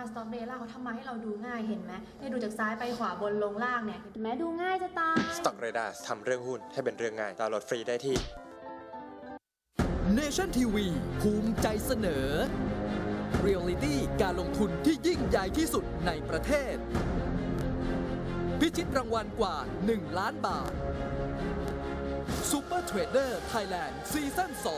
สต็อกเดล่าเขาทำมาให้เราดูง่ายเห็นไหมเนี่ยดูจากซ้ายไปขวาบนลงล่างเนี่ยเห็นไหมดูง่ายจะตาย Stock Radar ทำเรื่องหุ้นให้เป็นเรื่องง่ายดาวน์โหลดฟรีได้ที่ Nation TV ภูมิใจเสนอ Reality การลงทุนที่ยิ่งใหญ่ที่สุดในประเทศ พิชิตรางวัลกว่า 1 ล้านบาท Super Trader Thailand ซีซั่น 2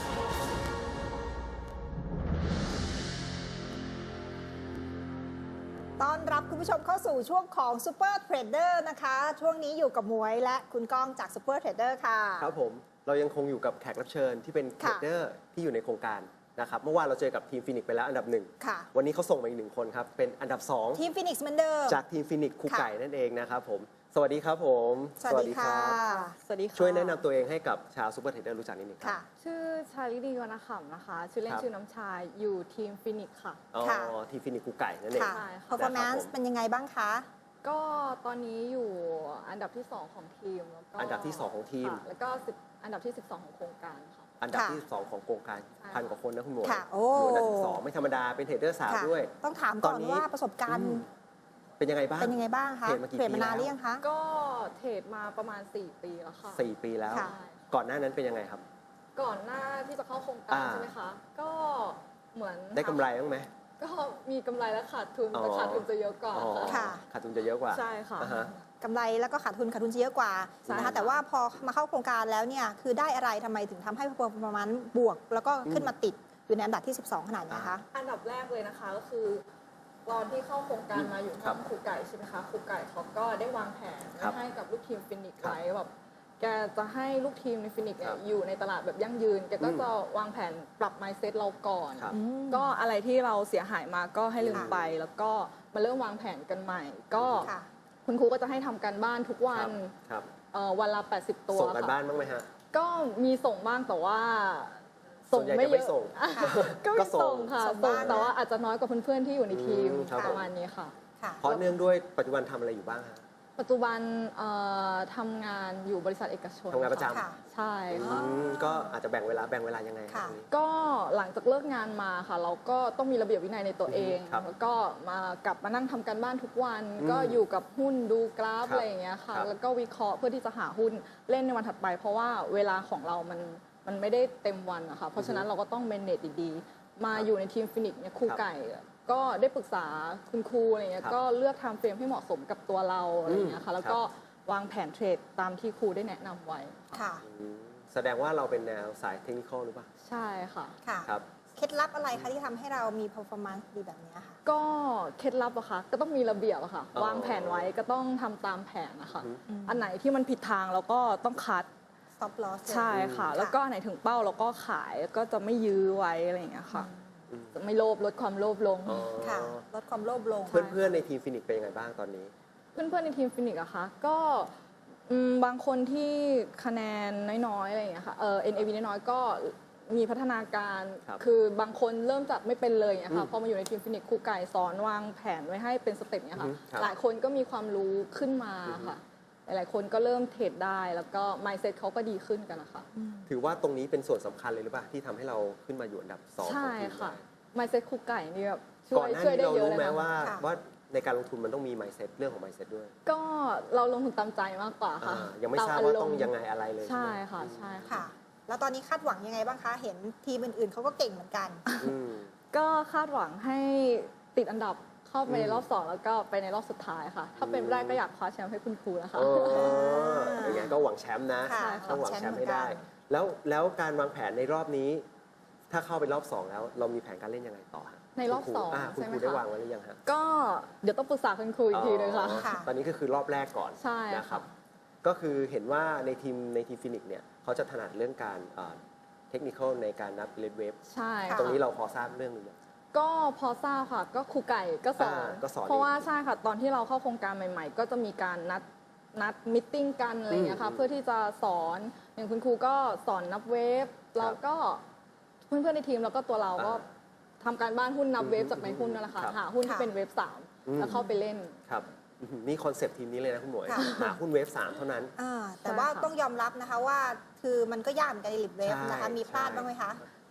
ต้อนรับคุณผู้ชมเข้าสู่ช่วงของ Super Trader นะคะ ช่วงนี้อยู่กับหมวยและคุณก้องจาก Super Trader ค่ะครับผมเรายังคงอยู่กับแขกรับเชิญที่เป็นเทรดเดอร์ที่อยู่ในโครงการนะครับเมื่อวานเราเจอกับทีมฟินิกไปแล้วอันดับ1วันนี้เขาส่งมาอีก1คนครับเป็นอันดับ2 ทีมฟินิกส์เหมือนเดิมจากทีมฟินิกครูไก่นั่นเองนะครับผมสวัสดีครับผมสวัสดีค่ะสวัสดีค่ะช่วยแนะนำตัวเองให้กับชาวซูเปอร์เทรดเดอร์รู้จักนิดนึงครับชื่อชาลินีวรรณขำนะคะชื่อเล่นชื่อน้ำชาอยู่ทีมฟินิกค่ะอ๋อทีมฟินิกครูไก่นั่นเองค่ะ performance เป็นยังไงบ้างคะก็ตอนนี้อยู่อันดับที่2ของทีมแล้วก็อันดับที่2ของทีมแล้วก็อันดับที่12ของโครงการค่ะอันดับที่2ของโครงการพันกว่าคนนะคุณหมวยโอ้อันดับที่2ไม่ธรรมดาเป็นเทรดเดอร์สาวด้วยต้องถามก่อนว่าประสบการณ์เป็นยังไงบ้างคะเทรดมานานหรือยังคะก็เทรดมาประมาณ4 ปีแล้วค่ะ 4 ปีแล้วก่อนหน้านั้นเป็นยังไงครับก่อนหน้าที่จะเข้าโครงการใช่ไหมคะก็เหมือนได้กำไรบ้างไหมก็มีกำไรและขาดทุนแต่ขาดทุนจะเยอะกว่าค่ะขาดทุนจะเยอะกว่าใช่ค่ะกำไรแล้วก็ขาดทุนจะเยอะกว่านะคะแต่ว่าพอมาเข้าโครงการแล้วเนี่ยคือได้อะไรทำไมถึงทำให้ประมาณบวกแล้วก็ขึ้นมาติดอยู่ในอันดับที่12ขนาดนี้คะอันดับแรกเลยนะคะก็คือตอนที่เข้าโครงการมาอยู่ห้องครูไก่ใช่ไหมคะครูไก่เขาก็ได้วางแผนให้กับลูกทีมฟินิกส์ไว้แบบแกจะให้ลูกทีมในฟินิกส์อยู่ในตลาดแบบยั่งยืนแกก็จะวางแผนปรับ mindset เราก่อนก็อะไรที่เราเสียหายมาก็ให้ลืมไปแล้วก็มาเริ่มวางแผนกันใหม่ก็คุณครูก็จะให้ทำการบ้านทุกวันวันละ80 ตัวส่งการบ้านบ้างไหมฮะก็มีส่งบ้างแต่ว่าส่งไม่เยอะก็ไม่ส่งค่ะแต่ว่าอาจจะน้อยกว่าเพื่อนๆที่อยู่ในทีมประมาณนี้ค่ะเพราะเนื่องด้วยปัจจุบันทำอะไรอยู่บ้างฮะปัจจุบันทำงานอยู่บริษัทเอกชนทำงานประจำใช่ค่ะก็อาจจะแบ่งเวลายังไงก็หลังจากเลิกงานมาค่ะเราก็ต้องมีระเบียบวินัยในตัวเองแล้วก็กลับมานั่งทำการบ้านทุกวันก็อยู่กับหุ้นดูกราฟอะไรอย่างเงี้ยค่ะแล้วก็วิเคราะห์เพื่อที่จะหาหุ้นเล่นในวันถัดไปเพราะว่าเวลาของเรามันไม่ได้เต็มวันนะคะเพราะฉะนั้นเราก็ต้องเมเนจดีๆมาอยู่ในทีมฟินิกส์เนี่ยครูไก่ก็ได้ปรึกษาคุณครูอะไรเงี้ยก็เลือกทำเฟรมให้เหมาะสมกับตัวเราอะไรเงี้ยค่ะแล้วก็วางแผนเทรดตามที่ครูได้แนะนำไว้ค่ะแสดงว่าเราเป็นแนวสายเทคนิคหรือเปล่าใช่ค่ะครับเคล็ดลับอะไรคะที่ทำให้เรามี performance ดีแบบนี้ค่ะก็เคล็ดลับอะค่ะก็ต้องมีระเบียบอะค่ะวางแผนไว้ก็ต้องทำตามแผนนะคะอันไหนที่มันผิดทางเราก็ต้องคัด stop loss ใช่ค่ะแล้วก็ไหนถึงเป้าเราก็ขายก็จะไม่ยื้อไว้อะไรอย่างเงี้ยค่ะจะไม่โลภลดความโลภลงค่ะลดความโลภลงเพื่อนๆในทีมฟินิกเป็นยังไงบ้างตอนนี้เพื่อนๆในทีมฟินิกอะคะก็บางคนที่คะแนนน้อยๆอะไรอย่างเงี้ยค่ะNAV น้อยๆก็มีพัฒนาการคือบางคนเริ่มจากไม่เป็นเลยอะค่ะพอมาอยู่ในทีมฟินิกครูไก่สอนวางแผนไว้ให้เป็นสเต็ปเนี่ยค่ะหลายคนก็มีความรู้ขึ้นมาค่ะหลายๆคนก็เริ่มเทรดได้แล้วก็ mindset เขาก็ดีขึ้นกันนะคะถือว่าตรงนี้เป็นส่วนสำคัญเลยหรือเปล่าที่ทำให้เราขึ้นมาอยู่อันดับ2 ใช่ค่ะ mindset ครูไก่นี่แบบช่วยได้เยอะเลยนะว่าในการลงทุนมันต้องมี mindset เรื่องของ mindset ด้วยก็เราลงทุนตามใจมากกว่าค่ะยังไม่ทราบว่าต้องยังไงอะไรเลยใช่ค่ะใช่ค่ะแล้วตอนนี้คาดหวังยังไงบ้างคะเห็นทีมอื่นๆเขาก็เก่งเหมือนกันก็คาดหวังให้ติดอันดับเข้าไปในรอบ2แล้วก็ไปในรอบสุดท้ายค่ะถ้าเป็นแรกก็อยากคว้าแชมป์ให้คุณครูนะคะอย่างนั้นก็หวังแชมป์นะต้องหวังแชมป์ให้ได้แล้วการวางแผนในรอบนี้ถ้าเข้าไปรอบ2แล้วเรามีแผนการเล่นยังไงต่อในรอบ2 คุณครูได้วางไว้หรือยังฮะก็เดี๋ยวต้องปรึกษาคุณครูอีกทีนึงค่ะตอนนี้ก็คือรอบแรกก่อนใช่นะครับก็คือเห็นว่าในทีมฟินิกเนี่ยเขาจะถนัดเรื่องการเทคนิคในการนับเลทเวฟใช่ตรงนี้เราพอทราบเรื่องหรือยังก็พอทราบค่ะก็ครูไก่ก็สอนเพราะว่าใช่ค่ะตอนที่เราเข้าโครงการใหม่ๆก็จะมีการนัดมิทติ้งกันอะไรอย่างเงี้ยค่ะเพื่อที่จะสอนอย่างคุณครูก็สอนนับเวฟแล้วก็เพื่อนๆในทีมแล้วก็ตัวเราก็ทำการบ้านหุ้นนับเวฟจากในหุ้นนั่นแหละค่ะหาหุ้นที่เป็นเวฟ3แล้วเข้าไปเล่นครับนี่คอนเซปต์ทีมนี้เลยนะคุณหมวยหาหุ้นเวฟ3เท่านั้นแต่ว่าต้องยอมรับนะคะว่าคือมันก็ยากเหมือนกันในลิบเวฟนะคะมีพลาดบ้างไหมคะ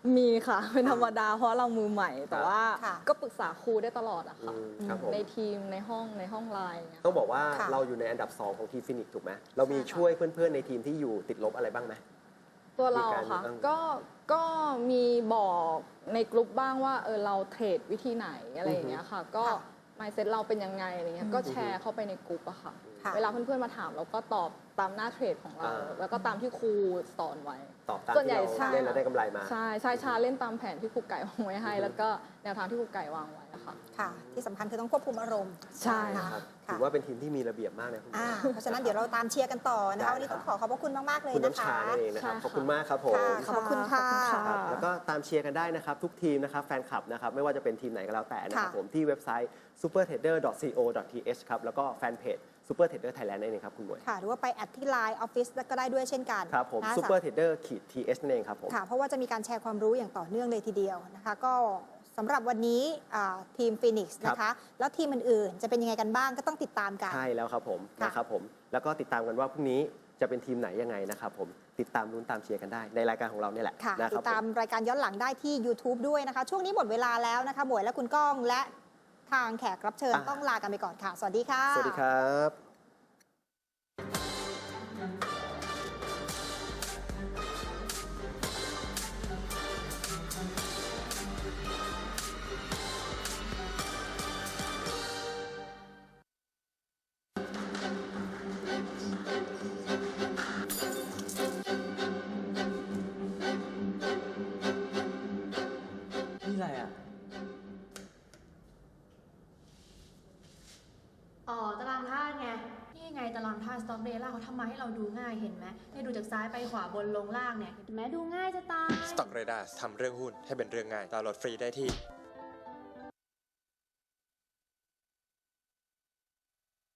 มีค่ะ เป็นธรรมดาเพราะเรามือใหม่ แต่ว่าค่ะก็ปรึกษาครูได้ตลอดอะค่ะครับผมในทีมในห้องไลน์อย่างเงี้ยต้องบอกว่าค่ะเราอยู่ในอันดับ 2 ของทีมฟินิกส์ถูกไหมเรามีใช่ค่ะช่วยเพื่อนๆในทีมที่อยู่ติดลบอะไรบ้างไหมตัวเรามีการค่ะบ้างก็มีบอกในกลุ่มบ้างว่าเราเทรดวิธีไหนอะไรอย่างเงี้ยค่ะ ก็ค่ะ mindset เราเป็นยังไงอะไรเงี้ยก็แชร์เข้าไปในกลุ่มอะค่ะค่ะเวลาเพื่อนๆมาถามเราก็ตอบตามหน้าเทรดของเรา แล้วก็ตามที่ครูสอนไว้ตอบตามส่วนใหที่ญ่เราใช่เล่นแล้วได้กำไรมาใช่ชาเล่นตามแผนที่ครูไก่วางไว้ให้ แล้วก็แนวทางที่ครูไก่วางไว้อะค่ะค่ะ ที่สำคัญคือต้องควบคุมอารมณ์ใช่นะครัคะบค่ะถือว่าเป็นทีมที่มีระเบียบมากนะคุณหมอเพราะฉะนั้นเดี๋ยวเราตามเชียร์กันต่อนะคะได้วันนี้ครัต้บองขอขอบพระคุณมาก ๆ เลยคุณนะน้ำคะชานั่นเองนะครับใช่ค่ะขอบคุณมากครับผมค่ะขอบคุณค่ะครับแล้วก็ตามเชียร์กันได้นะครับ ทุกทีมนะครับแฟนคลับนะครับไม่ว่าจะเป็นทีมไหนก็แล้วแต่นะครับค่ะผมที่เว็บไซต์ supertrader.co.th ครับแล้วก็แฟนเพจ Super Trader Thailand นั่นเองครับคุณหมวยค่ะ หรือว่าไปแอดที่ Line Office ก็ได้ด้วยเช่นกันครับผมนะ supertrader-th นั่นเองครับผมค่ะ เพราะว่าจะมีการแชร์ความรู้อย่างต่อเนื่องเลยทีเดียวนะคะ ก็สำหรับวันนี้ทีมฟีนิกซ์นะคะ แล้วทีมอื่นๆ จะเป็นยังไงกันบ้างก็ต้องติดตามกันใช่แล้วครับผมค่ะนะครับผมแล้วก็ติดตามกันว่าพรุ่งนี้จะเป็นทีมไหนยังไงนะครับผมติดตามลุ้นตามเชียร์กันได้ในรายการของเราเนี่ยแหละค่ะนะคติรับดตามรายการย้อนหลังได้ที่ YouTube ด้วยนะคะ ช่วงนี้หมดเวลาแล้วนะคะหมวยและคุณก้องและทางแขกรับเชิญต้องลากันไปก่อนค่ะ สวัสดีค่ะสวัสดีครับนี่อะไรอ่ะอ๋อตารางธาตุไง นี่ไงตารางธาตุสต็อกเดล่าเขาทำมาให้เราดูง่ายเห็นไหมเนี่ยดูจากซ้ายไปขวาบนลงล่างเนี่ยเห็นไหมดูง่ายจะตาย Stock Radar ทำเรื่องหุ้นให้เป็นเรื่องง่ายดาวน์โหลดฟรีได้ที่